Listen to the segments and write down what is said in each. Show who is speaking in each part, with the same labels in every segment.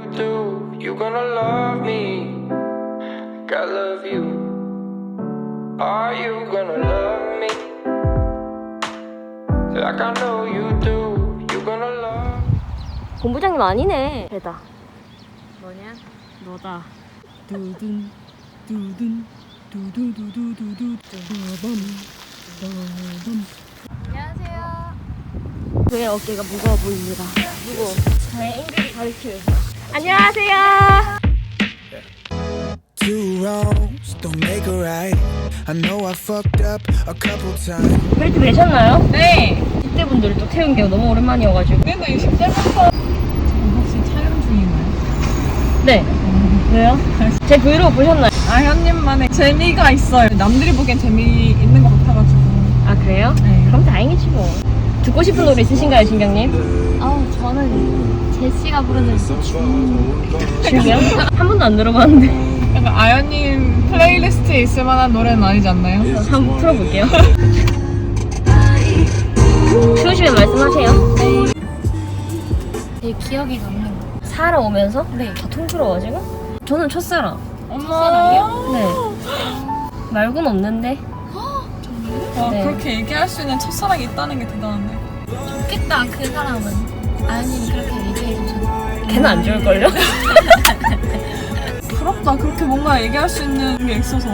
Speaker 1: do, you gonna love me like I love you. Are you gonna love me like I know you do, you gonna love me.
Speaker 2: 본부장님 아니네. 배다.
Speaker 3: 뭐냐?
Speaker 2: 너다. 두둔 두둔 두두두두두두 두밤.
Speaker 3: 안녕하세요.
Speaker 2: 왜 어깨가 무거워 보입니다. 무거워. 저의 앵글을 가리키면서. 안녕하세요.
Speaker 4: Two wrongs don't make a right. I know I fucked up a couple times.
Speaker 2: 벨트 매셨나요?
Speaker 3: 네.
Speaker 2: 10대 분들을 또 태운 게 너무 오랜만이어가지고.
Speaker 3: 그래도 60대부터 지금 혹시 촬영 중인가요?
Speaker 2: 네. 왜요? 제 브이로그 보셨나요?
Speaker 3: 아현님만의 재미가 있어요. 남들이 보기엔 재미있는 것 같아가지고.
Speaker 2: 아 그래요?
Speaker 3: 네.
Speaker 2: 그럼 다행이지 뭐. 듣고 싶은 노래 있으신가요, 진경님?
Speaker 5: 저는 제시가 부르는
Speaker 2: 지금요? 한 번도 안 들어봤는데.
Speaker 3: 약간 아현님 플레이리스트에 있을 만한 노래는 아니지 않나요?
Speaker 2: 한번 풀어볼게요. 추우시면 말씀하세요.
Speaker 5: 되게 기억에 남는 거.
Speaker 2: 살아오면서?
Speaker 5: 네.
Speaker 2: 다 통틀어가지고? 저는 첫사랑.
Speaker 3: 첫사랑이요?
Speaker 2: 네. 말고는 없는데.
Speaker 3: 와,
Speaker 2: 네.
Speaker 3: 그렇게 얘기할 수 있는 첫사랑이 있다는 게 대단한데.
Speaker 5: 좋겠다 그 사람은. 아연님이 그렇게 얘기해주셔서.
Speaker 2: 걔는 안 좋을걸요?
Speaker 3: 부럽다. 그렇게 뭔가 얘기할 수 있는 게 있어서.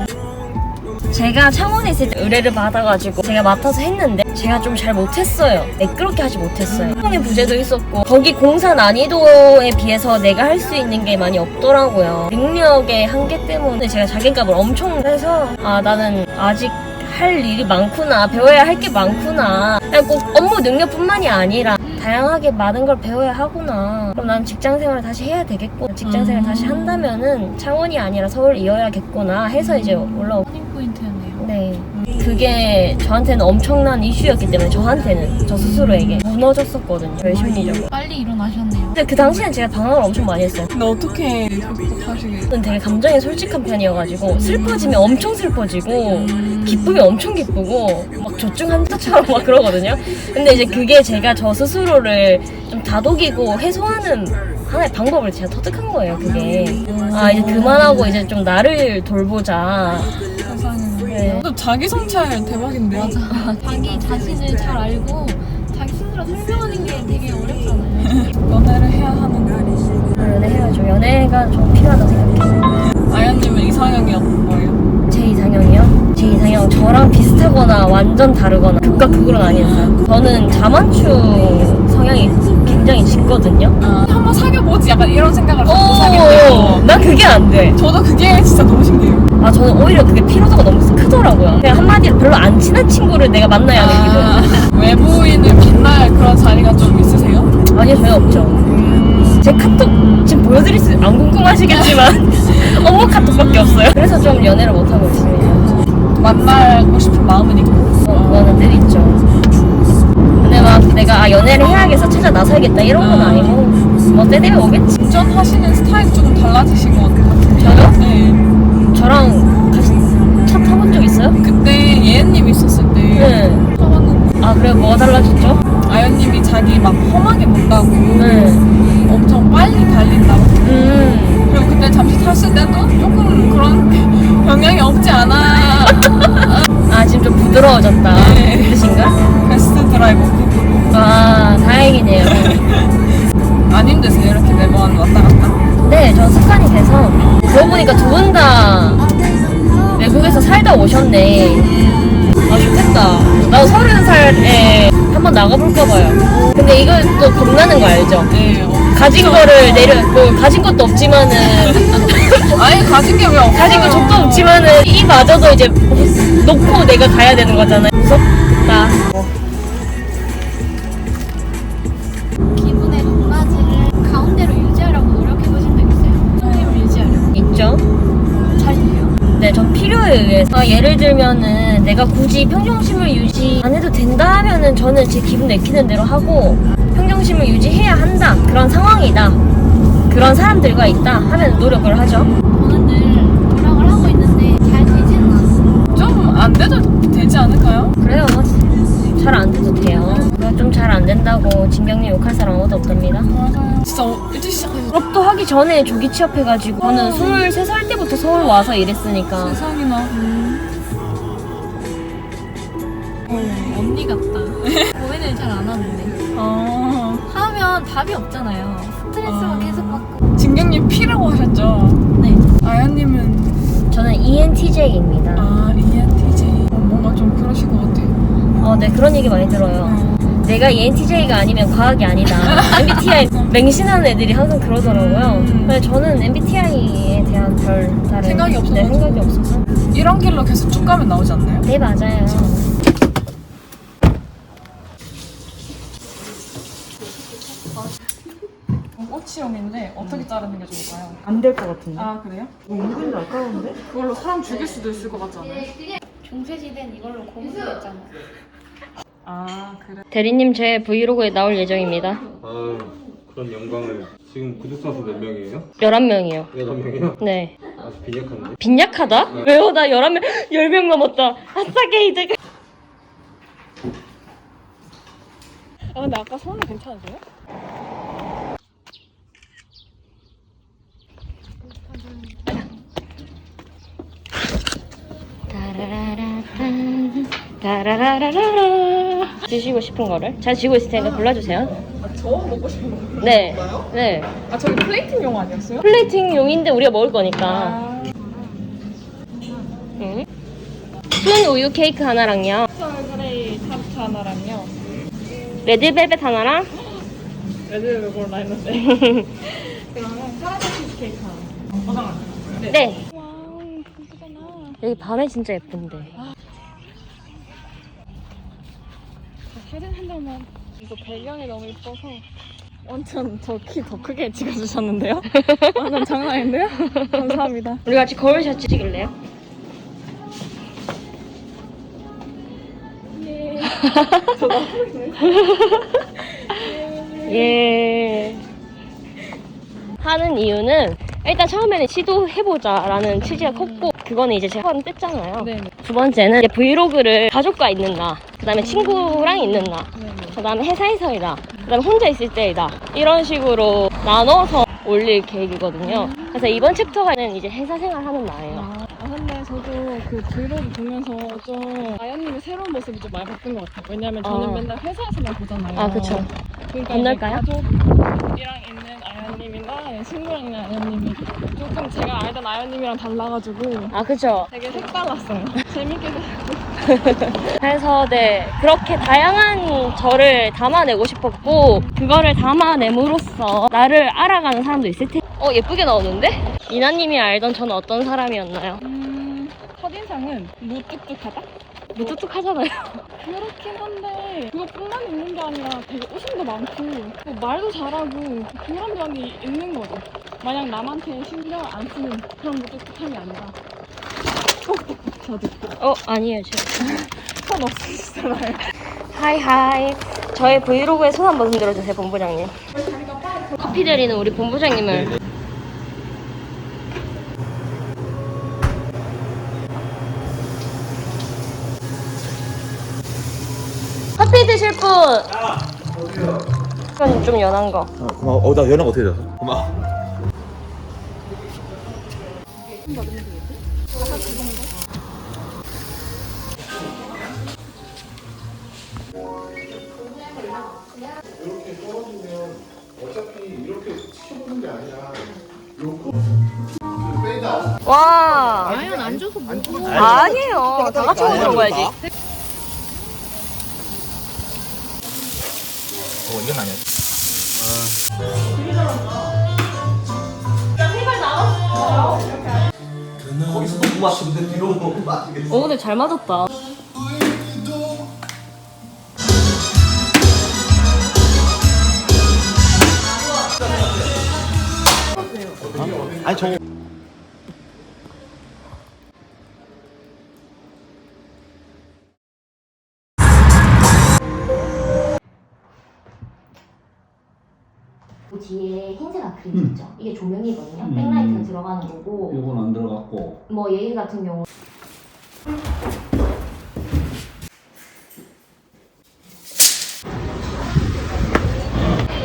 Speaker 2: 제가 창원에 있을 때 의뢰를 받아가지고 제가 맡아서 했는데 제가 좀 잘 못했어요. 매끄럽게 하지 못했어요. 성의 부재도 있었고 거기 공사 난이도에 비해서 내가 할 수 있는 게 많이 없더라고요. 능력의 한계 때문에 제가 자괴감을 엄청 해서 아 나는 아직 할 일이 많구나, 배워야 할 게 많구나. 그냥 꼭 업무 능력뿐만이 아니라 다양하게 많은 걸 배워야 하구나. 그럼 난 직장생활을 다시 해야 되겠고 직장생활 다시 한다면은 창원이 아니라 서울 이어야겠구나 해서 이제 올라오고.
Speaker 5: 터닝 포인트였네요.
Speaker 2: 네. 그게 저한테는 엄청난 이슈였기 때문에 저한테는 저 스스로에게 무너졌었거든요. 심리적으로.
Speaker 5: 빨리 일어나셨네요.
Speaker 2: 근데 그 당시엔 제가 방황을 엄청 많이 했어요.
Speaker 3: 근데 어떻게 극복하시게?
Speaker 2: 저는 되게 감정이 솔직한 편이어가지고 슬퍼지면 엄청 슬퍼지고 기쁘면 엄청 기쁘고 막 조증 환자처럼 막 그러거든요. 근데 이제 그게 제가 저 스스로를 좀 다독이고 해소하는 하나의 방법을 제가 터득한 거예요. 그게 아 이제 그만하고 이제 좀 나를 돌보자.
Speaker 3: 세상에.
Speaker 2: 네.
Speaker 3: 또 자기 성찰 대박인데요?
Speaker 5: 자기 자신을 잘 알고 자기 스스로 설명하는 게 되게 어렵잖아요.
Speaker 3: 연애를 해야 하는 거.
Speaker 2: 연애해야죠. 연애가 좀 필요하다고 생각해요.
Speaker 3: 아연님은 이상형이 어떤 거예요?
Speaker 2: 제 이상형이요? 제 이상형 저랑 비슷하거나 완전 다르거나 극과 극으로 나뉘는 사람. 저는 자만추 성향이 굉장히 짙거든요.
Speaker 3: 한번 사귀어보지 약간 이런 생각을 갖고 사귀어요.
Speaker 2: 난 그게 안 돼.
Speaker 3: 저도 그게 진짜 너무 신기해요.
Speaker 2: 아 저는 오히려 그게 피로도가 너무 크더라고요. 그냥 한마디로 별로 안 친한 친구를 내가 만나야 하는 기분.
Speaker 3: 외부인을 빛날 그런 자리가 좀 있으세요?
Speaker 2: 아니요 전혀 없죠. 제 카톡 지금 보여드릴 수 안 궁금하시겠지만 업무 카톡밖에 없어요. 그래서 좀 연애를 못하고 있습니다.
Speaker 3: 만나고 싶은 마음은 있고.
Speaker 2: 그거는 늘 있죠. 근데 막 내가 연애를 해야겠어 찾아 나서야겠다 이런 건 아니고 뭐 때 되면 오겠지.
Speaker 3: 운전하시는 스타일이 조금 달라지신 것 같아요.
Speaker 2: 저요?
Speaker 3: 네.
Speaker 2: 저랑 같이 차 타본 적 있어요?
Speaker 3: 그때 예은님 있었을 때
Speaker 2: 네.
Speaker 3: 타봤는데
Speaker 2: 아 그래 뭐가 달라졌죠?
Speaker 3: 아연님이 자기 막 험하게 본다고
Speaker 2: 네.
Speaker 3: 엄청 빨리 달린다고. 그리고 그때 잠시 탔을 때도 조금 그런 영향이 없지 않아.
Speaker 2: 아 지금 좀 부드러워졌다.
Speaker 3: 네.
Speaker 2: 그 뜻인가?
Speaker 3: 베스트 드라이버.
Speaker 2: 아 다행이네요.
Speaker 3: 안 힘드세요? 이렇게 매번 왔다 갔다?
Speaker 2: 네, 전 습관이 돼서 그러고 보니까 두 분 다 외국에서 살다 오셨네. 아 좋겠다. 나도 30살에 한번 나가볼까 봐요. 근데 이거 또 겁나는 거 알죠?
Speaker 3: 네.
Speaker 2: 가진 거를 뭐 가진 것도 없지만은
Speaker 3: 아니 가진 게 왜 없어요?
Speaker 2: 가진 거 족도 없지만은 이마저도 이제 놓고 내가 가야 되는 거잖아요. 무섭다.
Speaker 5: 기분의 높낮이를 가운데로 유지하려고 노력해보신 적 있어요? 성님을 유지하려고.
Speaker 2: 있죠?
Speaker 5: 잘 돼요?
Speaker 2: 네, 전 필요에 의해서 예를 들면은 내가 굳이 평정심을 유지 안 해도 된다 하면은 저는 제 기분 내키는 대로 하고 평정심을 유지해야 한다 그런 상황이다 그런 사람들과 있다 하면 노력을 하죠.
Speaker 5: 저는 늘 노력을 하고 있는데 잘 되지는 않아요.
Speaker 3: 좀 안 돼도 되지 않을까요?
Speaker 2: 그래요. 잘 안 돼도 돼요. 그거 좀 잘 안 된다고 진경님 욕할 사람 아무도 없답니다.
Speaker 3: 맞아요. 진짜 일찍 시작해서
Speaker 2: 졸업도 하기 전에 조기 취업해가지고 저는 23살 때부터 서울 와서 일했으니까.
Speaker 3: 세상이나.
Speaker 5: 언니 같다. 고민을 잘 안 하는데. 하면 답이 없잖아요. 스트레스만 계속 받고.
Speaker 3: 진경님 P라고 하셨죠?
Speaker 5: 네.
Speaker 3: 아연님은
Speaker 2: 저는 ENTJ입니다.
Speaker 3: ENTJ. 뭔가 좀 그러실 것 같아요.
Speaker 2: 네, 그런 얘기 많이 들어요. 내가 ENTJ가 아니면 과학이 아니다. MBTI 맹신하는 애들이 항상 그러더라고요. 근데 저는 MBTI에 대한 별다른
Speaker 3: 생각이 없어서.
Speaker 2: 네, 생각이 없어서.
Speaker 3: 이런 길로 계속 쭉 가면 나오지 않나요?
Speaker 2: 네, 맞아요.
Speaker 3: 꽃치용인데 어떻게 자르는 게 좋을까요?
Speaker 6: 안 될 것 같은데?
Speaker 3: 아 그래요?
Speaker 6: 은근히 아까운데?
Speaker 3: 그걸로 사람 죽일 수도 있을 것 같지 않아요?
Speaker 5: 중세시대는 이걸로 고문했잖아.
Speaker 3: 아 그래.
Speaker 2: 대리님 제 브이로그에 나올 예정입니다.
Speaker 7: 아 그런 영광을. 지금 구독자 수 몇 명이에요?
Speaker 2: 11명이요.
Speaker 7: 8명이요?
Speaker 2: 네.
Speaker 7: 아주 빈약한데?
Speaker 2: 빈약하다? 왜요? 나 11명, 10명 넘었다. 아싸 게이드.
Speaker 3: 근데 아까 손은 괜찮으세요?
Speaker 2: 따라라라라. 주시고 싶은 거를 잘 지고 있을 테니까 골라주세요.
Speaker 3: 저 먹고 싶은 거.
Speaker 2: 네. 네.
Speaker 3: 저기 플레이팅용 아니었어요?
Speaker 2: 플레이팅용인데 우리가 먹을 거니까. 응? 순 우유 케이크 하나랑요.
Speaker 3: 스트로베리 타르트 하나랑요.
Speaker 2: 레드벨벳 하나랑.
Speaker 3: 레드벨벳 골라 했는데. 그러면 카라멜 치즈케이크 하나. 포장할까요?
Speaker 2: 네.
Speaker 3: 와우 예쁘잖아.
Speaker 2: 여기 밤에 진짜 예쁜데.
Speaker 3: 사진 한 장만. 이거 배경이 너무 예뻐서 완전 저 키 더 크게 찍어주셨는데요? 완전 장난 아닌데요? 감사합니다.
Speaker 2: 우리 같이 거울샷 찍을래요? 예. 하는 이유는 일단 처음에는 시도해보자라는 취지가 컸고 그거는 이제 제가 한 뗐잖아요.
Speaker 3: 네.
Speaker 2: 두 번째는 이제 브이로그를 가족과 있는 나, 그 다음에 친구랑 있는 나, 그 다음에 회사에서이다, 그 다음에 혼자 있을 때이다, 이런 식으로 나눠서 올릴 계획이거든요. 그래서 이번 챕터가는 이제 회사 생활하는 나예요.
Speaker 3: 근데 저도 그 브이로그 보면서 좀 아연님의 새로운 모습이 좀 많이 바뀐 것 같아요. 왜냐면 저는 맨날 회사에서만 보잖아요.
Speaker 2: 아, 그쵸.
Speaker 3: 그러니까
Speaker 2: 건널까요?
Speaker 3: 이제 가족이랑 있는 아연님이나 친구랑 있는 아연님이 조금 제가 알던 아연님이랑 달라가지고
Speaker 2: 아, 그쵸.
Speaker 3: 되게 색달랐어요. 재밌게
Speaker 2: 그래서 네, 그렇게 다양한 저를 담아내고 싶었고 그거를 담아냄으로써 나를 알아가는 사람도 있을 텐데. 예쁘게 나오는데? 이나님이 알던 저는 어떤 사람이었나요?
Speaker 3: 첫인상은 무뚝뚝하다?
Speaker 2: 무뚝뚝하잖아요.
Speaker 3: 그렇긴 한데 그것뿐만 있는 게 아니라 되게 웃음도 많고 또 말도 잘하고 그런 면이 있는 거죠. 마냥 남한테 신경 안 쓰는 그런 무뚝뚝함이 아니라 저도
Speaker 2: 아니에요, 제가.
Speaker 3: 손 없으시잖아요.
Speaker 2: 하이하이. 저의 브이로그에 손 한번 흔들어주세요, 본부장님. 커피 드리는 우리 본부장님을. 커피 드실 분! 이건 좀 연한 거.
Speaker 7: 고마워. 나 연락 어떻게 돼서? 고마워.
Speaker 8: 이렇게 떨어지면 어차피 이렇게 치켜보는 게 아니라 요거 빼다.
Speaker 2: 와!
Speaker 5: 아연 안 줘서 뭐.
Speaker 2: 아니에요. 다 같이 먹어야지.
Speaker 7: 이건 아니야. 거기서 너무 맛있는데 뒤로 너무 맛있겠어.
Speaker 2: 근데 잘 맞았다.
Speaker 7: 아니 저
Speaker 2: 뒤에 흰색 아크릴 있죠? 이게 조명이거든요. 백라이트가 들어가는 거고.
Speaker 9: 이건 안 들어갔고.
Speaker 2: 뭐 얘 같은 경우.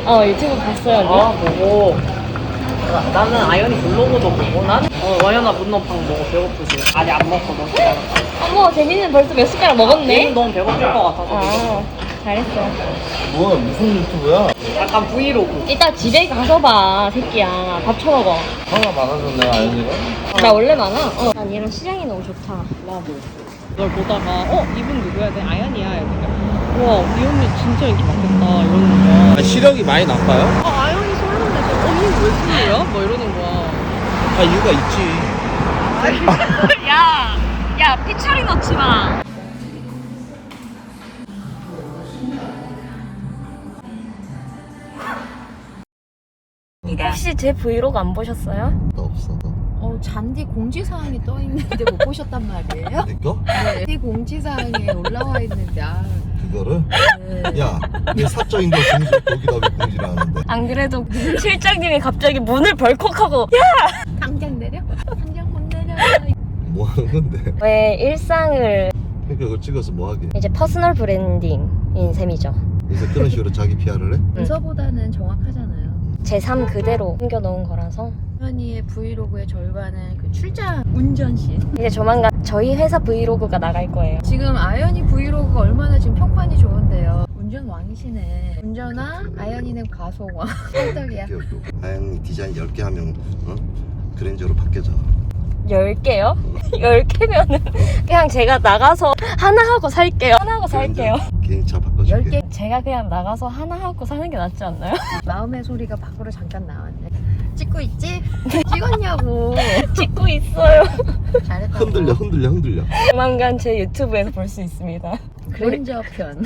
Speaker 2: 유튜브 봤어요. 언니?
Speaker 6: 아 보고 나는 아연이 블로그도 보고 나는 와연아 문어빵 먹어 배고프지? 아니 안 먹거든.
Speaker 2: 어머, 재민이는 벌써 몇 숟가락 먹었네?
Speaker 6: 얘는 너무 배고플 것 같아서.
Speaker 2: 잘했어.
Speaker 8: 뭐야 무슨 유튜브야?
Speaker 6: 약간 브이로그.
Speaker 2: 이따 집에 가서 봐, 새끼야. 밥 처먹어.
Speaker 8: 화가 많아졌네 아연이가?
Speaker 2: 나 원래 많아. 난 얘랑 시장이 너무 좋다.
Speaker 6: 나도. 널 보다가 이분 누구야? 내 아연이야. 이러니까 우와 이 언니 진짜 인기 많겠다 이러는 거야.
Speaker 8: 아, 시력이 많이 나빠요?
Speaker 6: 아연이 솔로인데 언니 왜 솔로야? 뭐 이러는 거야.
Speaker 8: 아 이유가 있지.
Speaker 2: 야, 피처리 넣지 마. 혹시 제 브이로그 안 보셨어요?
Speaker 8: 나 없어.
Speaker 5: 잔디 공지사항이 떠 있는데 못 보셨단 말이에요?
Speaker 8: 내 거?
Speaker 5: 네, 공지사항에 올라와 있는데
Speaker 8: 그거를? 야, 내 사적인 거 공지 거기다 왜 공지를 하는데?
Speaker 2: 안 그래도 실장님이 갑자기 문을 벌컥하고
Speaker 5: 당장 내려? 당장 못 내려.
Speaker 8: 뭐 하는 건데?
Speaker 2: 왜 일상을
Speaker 8: 그러니까 그걸 찍어서 뭐 하게?
Speaker 2: 이제 퍼스널 브랜딩인 셈이죠.
Speaker 8: 그래서 그런 식으로 자기 PR을 해?
Speaker 5: 문서보다는 정확하잖아요.
Speaker 2: 제 삶 그대로 숨겨놓은 거라서
Speaker 5: 현이의 브이로그의 절반은 그 출장 운전씬.
Speaker 2: 이제 조만간 저희 회사 브이로그가 나갈 거예요.
Speaker 5: 지금 아연이 브이로그가 얼마나 지금 평판이 좋은데요. 운전 왕이시네. 운전왕, 아연이는 가속왕. 찰떡이야.
Speaker 8: 귀엽고. 아영이 디자인 10개 하면 그랜저로 바뀌어져.
Speaker 2: 10개요? 10개면은 그냥 제가 나가서 하나 하고 살게요. 하나 하고 살게요.
Speaker 8: 개인차 바꿔줄게.
Speaker 5: 10개.
Speaker 2: 제가 그냥 나가서 하나 하고 사는 게 낫지 않나요?
Speaker 5: 마음의 소리가 밖으로 잠깐 나왔네. 찍고 있지? 찍었냐고.
Speaker 2: 찍고 있어요.
Speaker 5: 잘했다고.
Speaker 8: 흔들려.
Speaker 2: 조만간 제 유튜브에서 볼 수 있습니다.
Speaker 5: 그랜저 편.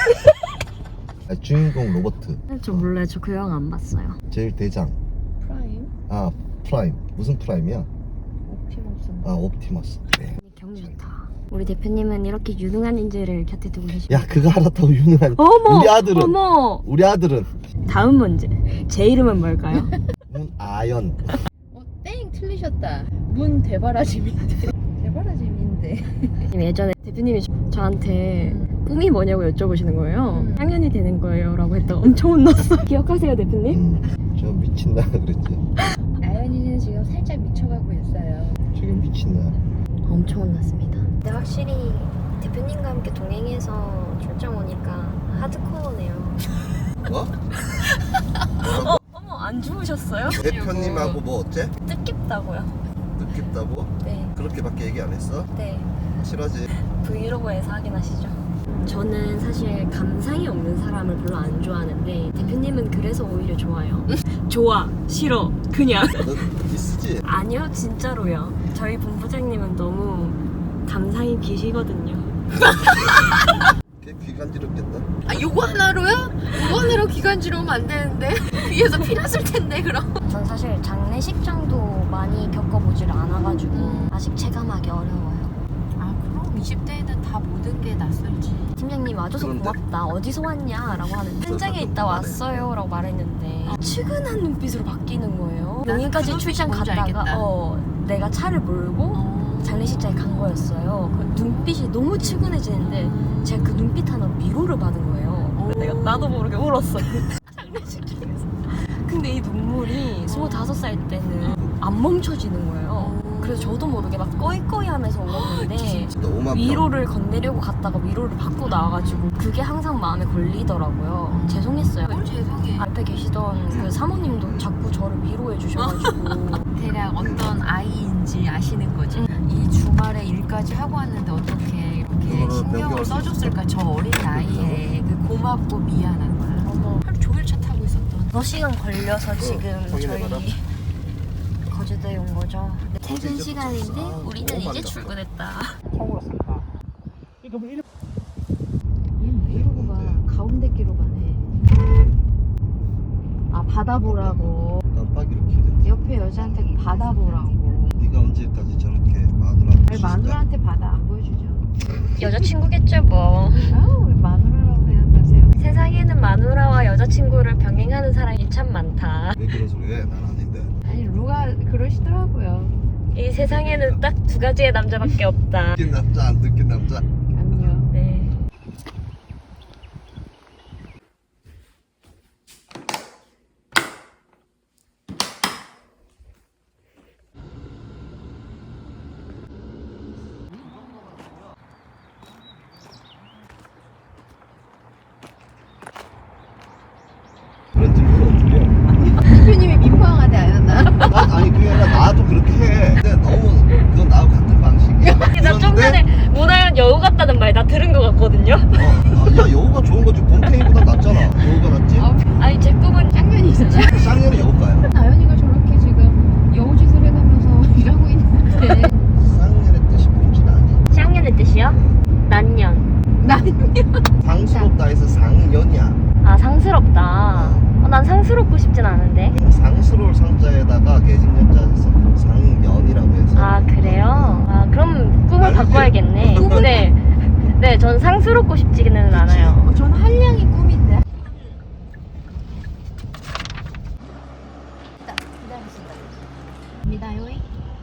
Speaker 8: 주인공 로버트.
Speaker 2: 저 몰라요. 저 그 영화 안 봤어요.
Speaker 8: 제일 대장.
Speaker 5: 프라임?
Speaker 8: 아 프라임. 무슨 프라임이야?
Speaker 5: 옵티머스.
Speaker 8: 아 옵티머스. 그래.
Speaker 2: 경주 좋다. 우리 대표님은 이렇게 유능한 인재를 곁에 두고 계십니다.
Speaker 8: 야 그거 알았다고 유능한.
Speaker 2: 어머!
Speaker 8: 우리 아들은.
Speaker 2: 어머!
Speaker 8: 우리 아들은
Speaker 2: 다음 문제. 제 이름은 뭘까요?
Speaker 8: 문아연.
Speaker 5: 땡 틀리셨다. 문 대바라짐인데. 대바라짐인데.
Speaker 2: 예전에 대표님이 저한테 꿈이 뭐냐고 여쭤보시는 거예요. 향연이 되는 거예요 라고 했다가 엄청 혼났어. 기억하세요 대표님?
Speaker 8: 저 미친나 그랬지.
Speaker 5: 아연이는 지금 살짝 미쳐가고 있어요.
Speaker 8: 지금 미친나.
Speaker 2: 엄청 혼났습니다. 근데 확실히 대표님과 함께 동행해서 출장 오니까 하드코어네요.
Speaker 8: 뭐?
Speaker 2: 어머 안 주무셨어요?
Speaker 8: 대표님하고 뭐 어째?
Speaker 2: 뜻깊다고요.
Speaker 8: 느꼈다고?
Speaker 2: 네.
Speaker 8: 그렇게밖에 얘기 안 했어?
Speaker 2: 네.
Speaker 8: 싫어지.
Speaker 2: 브이로그에서 확인하시죠. 저는 사실 감상이 없는 사람을 별로 안 좋아하는데 대표님은 그래서 오히려 좋아요. 좋아, 싫어, 그냥.
Speaker 8: 너 디스지?
Speaker 2: 아니요, 진짜로요. 저희 본부장님은 너무 감상이 기시거든요.
Speaker 8: 걔 귀 간지럽겠다.
Speaker 5: 아 요거 하나로요? 요거 하나로 기관지러우면 안 되는데. 귀에서 피 났을 텐데 그럼.
Speaker 2: 전 사실 장례식장도 많이 겪어보질 않아가지고 아직 체감하기 어려워요.
Speaker 5: 아 그럼 20대에는 다 모든 게 낯설지.
Speaker 2: 팀장님 와줘서
Speaker 8: 그런데?
Speaker 2: 고맙다. 어디서 왔냐? 라고 하는데 현장에 있다 왔어요 라고 말했는데 측은한 눈빛으로 바뀌는 거예요.
Speaker 5: 나는
Speaker 2: 용인까지
Speaker 5: 그
Speaker 2: 출장
Speaker 5: 눈빛이 뭔지
Speaker 2: 갔다가
Speaker 5: 알겠다.
Speaker 2: 내가 차를 몰고 장례식장에 간 거였어요. 그 눈빛이 너무 측은해지는데 제가 그 눈빛 하나 위로를 받은 거예요. 내가 나도 모르게 울었어. 장례식장에서. 근데 이 눈물이 25살 때는 안 멈춰지는 거예요. 그래서 저도 모르게 막 꺼이꺼이 하면서 울었는데
Speaker 8: 너 5만
Speaker 2: 위로를 건네려고 갔다가 위로를 받고 나와가지고 그게 항상 마음에 걸리더라고요. 죄송했어요.
Speaker 5: 뭘 죄송해.
Speaker 2: 앞에 계시던 그 사모님도 자꾸 저를 위로해 주셔가지고
Speaker 5: 대략 어떤 아이인지 아시는 거지. 이 주말에 일까지 하고 왔는데 어떻게 이렇게
Speaker 8: 그거를
Speaker 5: 신경을
Speaker 8: 변경할 수
Speaker 5: 써줬을까. 저 어린 나이에 그 고맙고 미안한 거야. 하루 종일 차 타고 있었던.
Speaker 2: 6시간 걸려서 지금
Speaker 8: 확인해봐라.
Speaker 2: 저희 거제도에 온 거죠. 퇴근 시간인데 우리는 이제 출근했다.
Speaker 5: 얘는 브이로그가 가운데 끼로 가네. 아 바다 보라고.
Speaker 8: 깜빡이로 키네.
Speaker 5: 옆에 여자한테 바다 보라고.
Speaker 8: 네가 언제까지 저렇게 마누라한테
Speaker 5: 왜 마누라한테 바다 안 보여주죠?
Speaker 2: 여자친구겠죠 뭐.
Speaker 5: 아우 왜 마누라라고 생각하세요?
Speaker 2: 세상에는 마누라와 여자친구를 병행하는 사람이 참 많다.
Speaker 8: 왜 그런 소리 해? 난 아닌데.
Speaker 5: 아니 루가 그러시더라고요.
Speaker 2: 이 세상에는 딱 2가지의 남자밖에 없다.
Speaker 8: 느낀 남자 안 느낀 남자.
Speaker 5: 안녕.
Speaker 2: 네.
Speaker 8: 아니 그게 아니라 나도 그렇게 해. 근데 너무 그건 나하고 같은 방식이야.
Speaker 2: 나 좀 전에 문화연 여우 같다는 말 나 들은 것 같거든요.
Speaker 8: 야 여우가 좋은 거지. 곰탱이보다 낫잖아. 여우가 낫지?
Speaker 2: 아니 제 꿈은
Speaker 5: 쌍년이잖아.
Speaker 8: 쌍년이 여우가야.
Speaker 5: 아연이가 저렇게 지금 여우짓을 해가면서 일하고 있는데
Speaker 8: 쌍년의 뜻이 뭔지는 아니.
Speaker 2: 쌍년의 뜻이요? 난년.
Speaker 8: 상스럽다 해서 상년이야.
Speaker 2: 아 상스럽다. 난 상스럽고 싶진 않은데.
Speaker 8: 상스러울 상자에다가 계집년자 해서 상년이라고 해서.
Speaker 2: 아 그래요? 아 그럼 꿈을
Speaker 8: 아니지.
Speaker 2: 바꿔야겠네. 네, 전 상스럽고 싶지는 않아요.
Speaker 5: 전 한량이 꿈인데. 기다리겠습니다. 입니다요.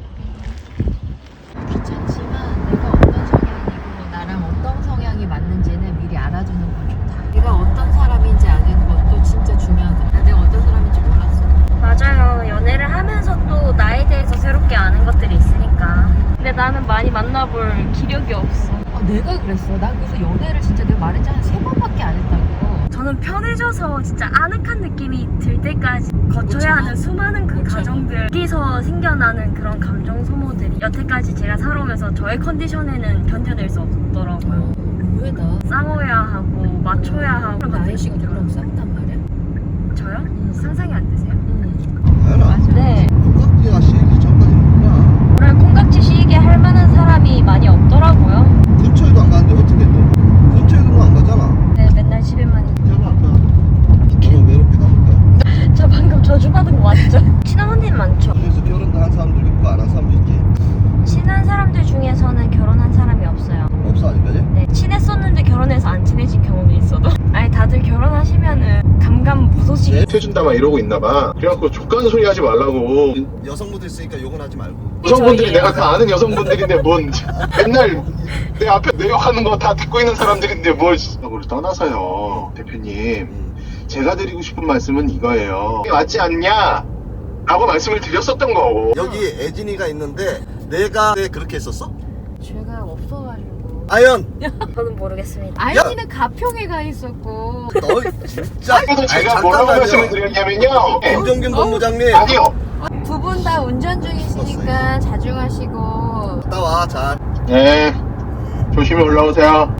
Speaker 5: 귀찮지만 내가 어떤 성향이고 나랑 어떤 성향이 맞는지는 미리 알아주는 건 좋다. 내가 어떤 사람인지 아는 것도 진짜 중요하다. 내가 어떤 사람인지 몰랐어.
Speaker 2: 맞아요. 연애를 하면서 또 나에 대해서 새롭게 아는 것들이 있으니까. 근데 나는 많이 만나볼 기력이 없어.
Speaker 5: 내가 그랬어. 나 그래서 연애를 진짜 내가 말했잖아. 3번밖에 안 했다고.
Speaker 2: 저는 편해져서 진짜 아늑한 느낌이 들 때까지 거쳐야 하는 수많은 그 과정들, 여기서 생겨나는 그런 감정 소모들이 여태까지 제가 살아오면서 저의 컨디션에는 견뎌낼 수 없더라고요.
Speaker 5: 의외다.
Speaker 2: 싸워야 하고 맞춰야 하고 그런
Speaker 5: 나연
Speaker 2: 것들이
Speaker 5: 씨가 누구랑 싸웠단 말이야?
Speaker 2: 저요? 상상이 안 되세요?
Speaker 8: 아연아.
Speaker 2: 네.
Speaker 8: 콩깍지가 씌기 전까지는 뭐야?
Speaker 2: 오늘 콩깍지 씌게 할 만한 사람이 많이 없더라고요.
Speaker 8: 근처에도 안 가는데 어떻게 너? 근처에도 안 가잖아.
Speaker 2: 네, 맨날 집에만 있.
Speaker 8: 태어날 거야. 너무 외롭게 남을 거야.
Speaker 2: 저 방금 저주받은 거 맞죠? 친한 언니는 많죠.
Speaker 8: 그래서 결혼도 한 사람도 있고 안 한 사람도 있지.
Speaker 2: 친한 사람들 중에서는 결혼한 사람이 없어요.
Speaker 8: 없어 아직까지?
Speaker 2: 네, 친했었는데 결혼해서 안 친해진 경우도 있어도. 아니 다들 결혼하시면은 감감무소식.
Speaker 9: 해준다 막 이러고 있나 봐. 그래갖고 족간 소리 하지 말라고.
Speaker 8: 여성분들 있으니까 욕은 하지 말고.
Speaker 9: 여성분들이 내가 다 아는 여성분들인데 뭔 맨날 내 앞에 내욕하는 거 다 듣고 있는 사람들인데 뭘 그걸 떠나서요 대표님 제가 드리고 싶은 말씀은 이거예요. 맞지 않냐? 라고 말씀을 드렸었던 거고.
Speaker 8: 여기 애진이가 있는데 내가 그렇게 했었어?
Speaker 5: 죄가 없어가지고.
Speaker 8: 아연!
Speaker 2: 저는 모르겠습니다.
Speaker 5: 아연이는 가평에 가 있었고.
Speaker 8: 너 진짜.
Speaker 9: 그래서 제가 뭐라고 말씀을 드렸냐면요.
Speaker 8: 김정균 본부장님.
Speaker 9: 아니요.
Speaker 5: 두 분 다 운전 중이시니까 자중하시고.
Speaker 8: 갔다 와 잘.
Speaker 9: 네. 조심히 올라오세요.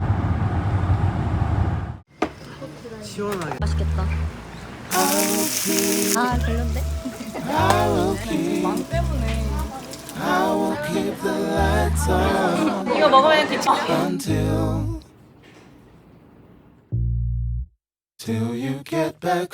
Speaker 8: 시원하게.
Speaker 2: 맛있겠다. 아 별론데?
Speaker 3: 망 때문에.
Speaker 6: 이거 먹으면 뒤
Speaker 4: Till you get back